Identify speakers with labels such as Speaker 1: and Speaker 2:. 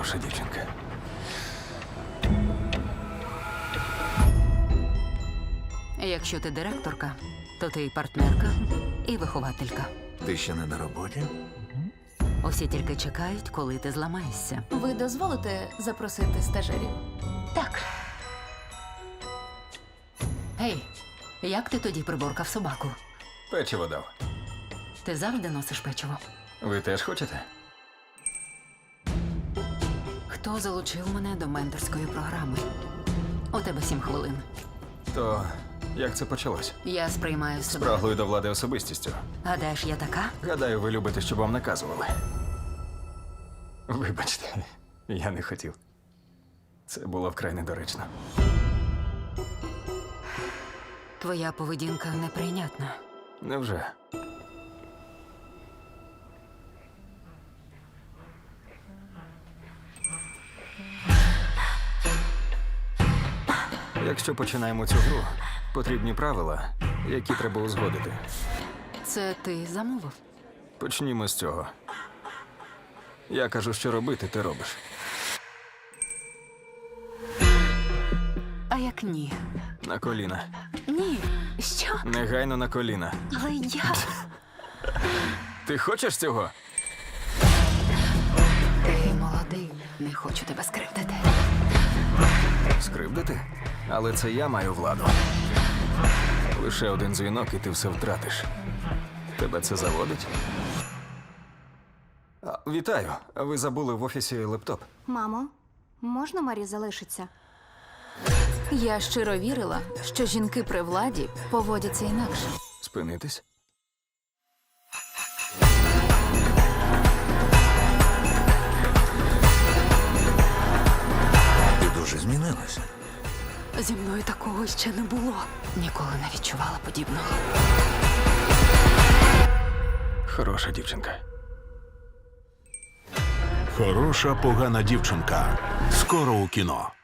Speaker 1: хороша дівчинка.
Speaker 2: Якщо ти директорка, то ти і партнерка, і вихователька.
Speaker 1: Ти ще не на роботі?
Speaker 2: Усі тільки чекають, коли ти зламаєшся.
Speaker 3: Ви дозволите запросити стажерів?
Speaker 2: Так. Гей, як ти тоді приборкав собаку?
Speaker 1: Печиво дав.
Speaker 2: Ти завжди носиш печиво.
Speaker 1: Ви теж хочете?
Speaker 2: Хто залучив мене до менторської програми? У тебе 7 хвилин.
Speaker 1: То як це почалось?
Speaker 2: Я сприймаю себе.
Speaker 1: Спраглою до влади особистістю.
Speaker 2: Гадаєш, я така?
Speaker 1: Гадаю, ви любите, щоб вам наказували. Вибачте, я не хотів. Це було вкрай недоречно.
Speaker 2: Твоя поведінка неприйнятна.
Speaker 1: Невже? Якщо починаємо цю гру, потрібні правила, які треба узгодити.
Speaker 2: Це ти замовив?
Speaker 1: Почнімо з цього. Я кажу, що робити, ти робиш.
Speaker 2: А як ні?
Speaker 1: На коліна.
Speaker 2: Ні. Що?
Speaker 1: Негайно на коліна.
Speaker 2: Але я...
Speaker 1: Ти хочеш цього?
Speaker 2: Ти молодий. Не хочу тебе скривдити.
Speaker 1: Скривдити? Але це я маю владу. Лише один дзвінок, і ти все втратиш. Тебе це заводить? Вітаю. Ви забули в офісі лептоп.
Speaker 4: Мамо, можна Марі залишиться?
Speaker 3: Я щиро вірила, що жінки при владі поводяться інакше.
Speaker 1: Спинитись?
Speaker 5: Ти дуже змінилася.
Speaker 2: Зі мною такого ще не було. Ніколи не відчувала подібного.
Speaker 1: Хороша дівчинка.
Speaker 5: Хороша погана дівчинка. Скоро у кіно.